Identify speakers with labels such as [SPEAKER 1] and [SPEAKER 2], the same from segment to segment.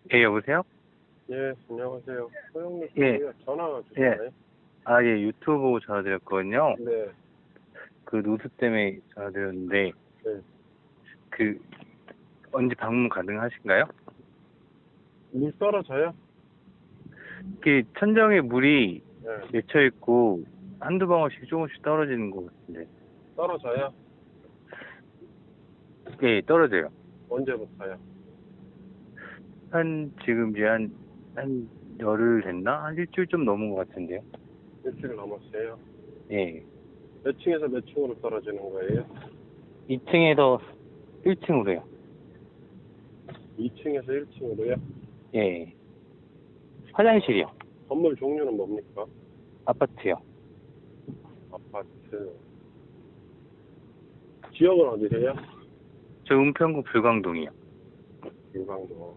[SPEAKER 1] 예, 여보세요?
[SPEAKER 2] 예, 안녕하세요. 소영민
[SPEAKER 1] 예,
[SPEAKER 2] 씨요. 전화
[SPEAKER 1] 예.
[SPEAKER 2] 주셨나요?
[SPEAKER 1] 아, 예, 유튜브 보고 전화드렸거든요.
[SPEAKER 2] 네,
[SPEAKER 1] 그 누수 때문에 전화드렸는데,
[SPEAKER 2] 네.
[SPEAKER 1] 그, 언제 방문 가능하신가요?
[SPEAKER 2] 물 떨어져요?
[SPEAKER 1] 그 천정에 물이
[SPEAKER 2] 네,
[SPEAKER 1] 맺혀있고, 한두 방울씩 조금씩 떨어지는 것 같은데.
[SPEAKER 2] 떨어져요?
[SPEAKER 1] 예, 떨어져요.
[SPEAKER 2] 언제부터요?
[SPEAKER 1] 지금 이제 한 열흘 됐나? 한 일주일 좀 넘은 것 같은데요.
[SPEAKER 2] 일주일 넘었어요.
[SPEAKER 1] 예.
[SPEAKER 2] 몇 층에서 몇 층으로 떨어지는 거예요?
[SPEAKER 1] 2층에서 1층으로요.
[SPEAKER 2] 2층에서 1층으로요?
[SPEAKER 1] 예. 화장실이요.
[SPEAKER 2] 건물 종류는 뭡니까?
[SPEAKER 1] 아파트요.
[SPEAKER 2] 아파트. 지역은 어디세요?
[SPEAKER 1] 저 은평구 불광동이요.
[SPEAKER 2] 일광동.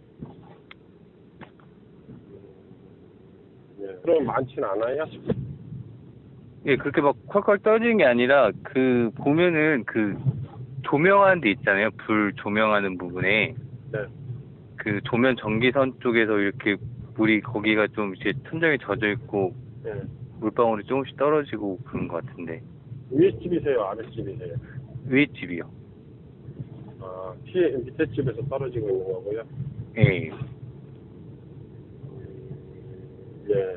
[SPEAKER 2] 예, 그럼 많진 않아요?
[SPEAKER 1] 예, 그렇게 막 콸콸 떨어지는 게 아니라, 보면은 조명하는 데 있잖아요. 불 조명하는 부분에.
[SPEAKER 2] 네.
[SPEAKER 1] 그 조면 전기선 쪽에서 이렇게 물이 거기가 좀 이제 천장에 젖어 있고,
[SPEAKER 2] 예.
[SPEAKER 1] 물방울이 조금씩 떨어지고 그런 것 같은데.
[SPEAKER 2] 위에 집이세요? 아래 집이세요?
[SPEAKER 1] 위에 집이요.
[SPEAKER 2] 아, 밑에 집에서 떨어지고 있는 거고요?
[SPEAKER 1] 예.
[SPEAKER 2] 예.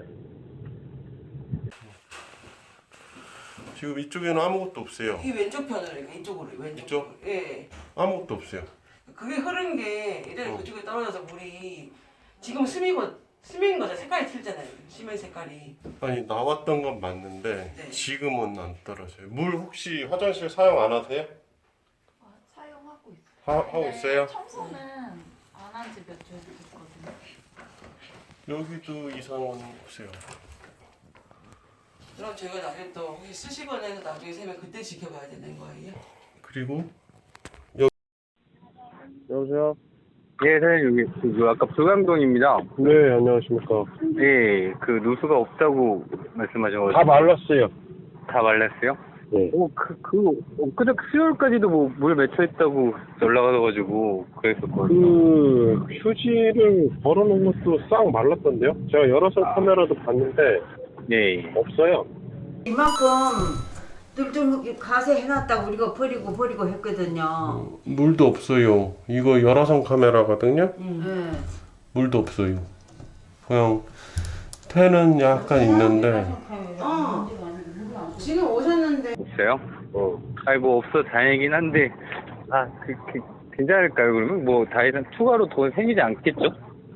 [SPEAKER 2] 지금 이쪽에는 아무것도 없어요.
[SPEAKER 3] 이 왼쪽 편으로 이렇게 이쪽으로 왼쪽.
[SPEAKER 2] 이쪽?
[SPEAKER 3] 예.
[SPEAKER 2] 아무것도 없어요.
[SPEAKER 3] 그게 흐른 게 이래 그쪽에 떨어져서 물이 지금 스민 거죠. 색깔이 틀잖아요. 시멘 색깔이.
[SPEAKER 2] 아니 나왔던 건 맞는데
[SPEAKER 3] 네.
[SPEAKER 2] 지금은 안 떨어져요. 물 혹시 화장실 사용 안 하세요?
[SPEAKER 4] 사용하고 있어요.
[SPEAKER 2] 하고 있어요?
[SPEAKER 4] 청소는 안 한 지 몇 주 됐거든요.
[SPEAKER 2] 여기도 이상은 없어요.
[SPEAKER 3] 그럼 저희가 나중에 또 혹시 쓰시거나 해서 나중에 세면 그때 지켜봐야 되는 거예요?
[SPEAKER 2] 그리고 여보세요?
[SPEAKER 1] 예, 사장님, 여기, 아까 불광동입니다.
[SPEAKER 2] 네, 안녕하십니까.
[SPEAKER 1] 예, 누수가 없다고 말씀하셔가지고.
[SPEAKER 2] 다 말랐어요.
[SPEAKER 1] 다 말랐어요?
[SPEAKER 2] 네.
[SPEAKER 1] 엊그저께 수요일까지도 물 맺혀있다고 연락 와가지고 그랬었거든요.
[SPEAKER 2] 그 휴지를 걸어놓은 것도 싹 말랐던데요? 제가 여러 선 카메라도 봤는데
[SPEAKER 1] 예.
[SPEAKER 2] 없어요.
[SPEAKER 5] 이만큼 뚫뚫 가세 해놨다고 우리가 버리고 했거든요.
[SPEAKER 2] 물도 없어요. 이거 여러 선 카메라거든요.
[SPEAKER 5] 네.
[SPEAKER 2] 물도 없어요. 그냥 태는 약간 있는데.
[SPEAKER 5] 지금 오셨는데
[SPEAKER 1] 있어요? 아니, 없어 다행이긴 한데, 괜찮을까요, 그러면? 다 이상 추가로 돈 생기지 않겠죠?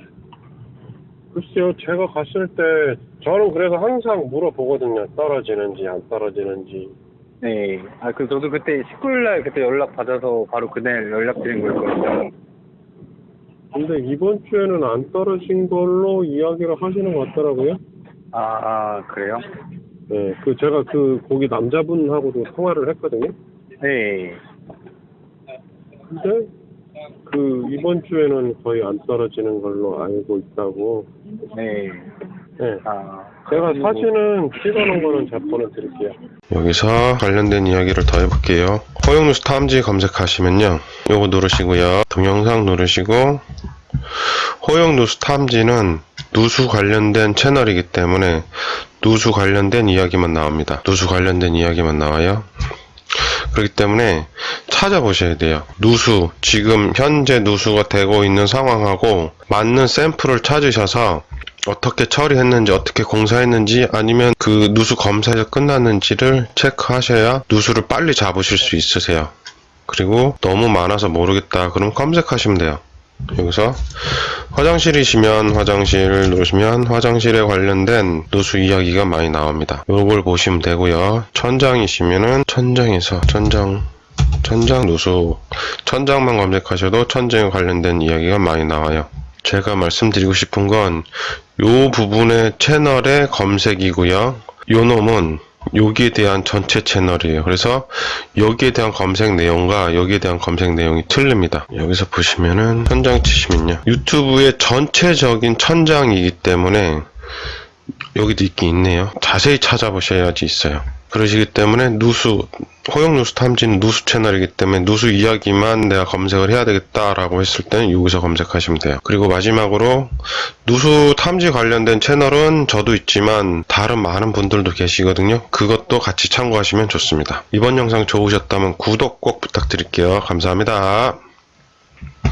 [SPEAKER 2] 글쎄요, 제가 갔을 때 저는 그래서 항상 물어보거든요. 떨어지는지 안 떨어지는지.
[SPEAKER 1] 네. 저도 그때 19일날 그때 연락 받아서 바로 그날 연락드린 거였거든요.
[SPEAKER 2] 근데 이번 주에는 안 떨어진 걸로 이야기를 하시는 것 같더라고요.
[SPEAKER 1] 그래요?
[SPEAKER 2] 네, 제가 거기 남자분하고도 통화를 했거든요.
[SPEAKER 1] 네.
[SPEAKER 2] 근데 이번 주에는 거의 안 떨어지는 걸로 알고 있다고.
[SPEAKER 1] 네.
[SPEAKER 2] 네. 제가 사진은 찍어놓은 거는 제가 보내드릴게요.
[SPEAKER 6] 여기서 관련된 이야기를 더 해볼게요. 허용누수 탐지 검색하시면요, 요거 누르시고요, 동영상 누르시고, 허용누수 탐지는 누수 관련된 채널이기 때문에 누수 관련된 이야기만 나옵니다. 누수 관련된 이야기만 나와요. 그렇기 때문에 찾아보셔야 돼요. 누수, 지금 현재 누수가 되고 있는 상황하고 맞는 샘플을 찾으셔서 어떻게 처리했는지, 어떻게 공사했는지, 아니면 그 누수 검사가 끝났는지를 체크하셔야 누수를 빨리 잡으실 수 있으세요. 그리고 너무 많아서 모르겠다 그럼 검색하시면 돼요. 여기서 화장실이시면 화장실 누르시면 화장실에 관련된 누수 이야기가 많이 나옵니다. 요걸 보시면 되고요. 천장이시면은 천장에서 천장 누수, 천장만 검색하셔도 천장에 관련된 이야기가 많이 나와요. 제가 말씀드리고 싶은 건 요 부분의 채널의 검색이고요. 요 놈은 여기에 대한 전체 채널이에요. 그래서 여기에 대한 검색 내용과 여기에 대한 검색 내용이 틀립니다. 여기서 보시면은 천장 치시면요, 유튜브의 전체적인 천장이기 때문에 여기도 있긴 있네요. 자세히 찾아보셔야지 있어요. 그러시기 때문에 호용누수 탐지는 누수 채널이기 때문에 누수 이야기만 내가 검색을 해야 되겠다라고 했을 때는 여기서 검색하시면 돼요. 그리고 마지막으로 누수 탐지 관련된 채널은 저도 있지만 다른 많은 분들도 계시거든요. 그것도 같이 참고하시면 좋습니다. 이번 영상 좋으셨다면 구독 꼭 부탁드릴게요. 감사합니다.